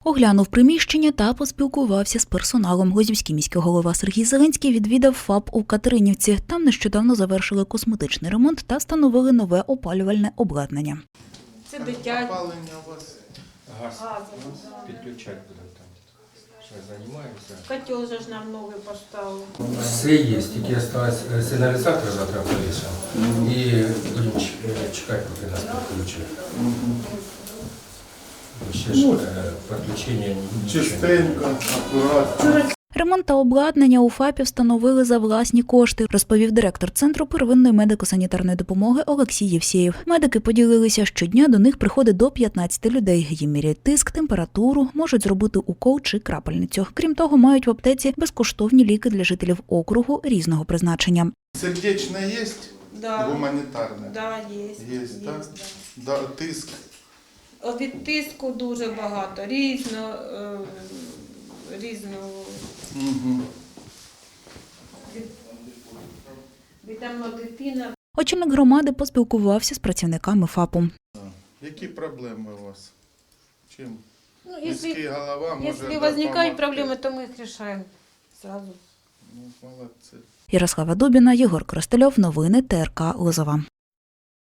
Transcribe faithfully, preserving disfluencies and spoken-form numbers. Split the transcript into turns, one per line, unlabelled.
Оглянув приміщення та поспілкувався з персоналом. Лозівський міський голова Сергій Зеленський відвідав ФАП у Катеринівці. Там нещодавно завершили косметичний ремонт та встановили нове опалювальне обладнання.
Це дитя.
Опалення у вас?
Газ підключати будемо там. Зараз займаємося.
Котел же ж нам новий поставили.
Все є, тільки залишилось сигналізатор завтра повісимо. І будемо чекати, поки нас підключать. Ще ж підключення нічого.
Чистенько, акуратно.
Ремонт та обладнання у ФАПі встановили за власні кошти, розповів директор Центру первинної медико-санітарної допомоги Олексій Євсєєв. Медики поділилися, щодня до них приходить до п'ятнадцяти людей. Їм міряють тиск, температуру, можуть зробити укол чи крапельницю. Крім того, мають в аптеці безкоштовні ліки для жителів округу різного призначення.
Сердечне є?
Да.
Гуманітарне?
Да, є.
Є, так? Да, тиск.
Від тиску дуже багато, різно, е, різного.
Угу.
Вітамна дитина.
Очільник громади поспілкувався з працівниками ФАПу.
Які проблеми у вас? Чим?
Ну,
Міський
якщо,
голова може
якщо виникають
допомогти.
проблеми, то ми їх рішаємо одразу.
Ну, молодці.
Ярослава Дубіна, Єгор Коростельов. Новини Т Р К Лозова.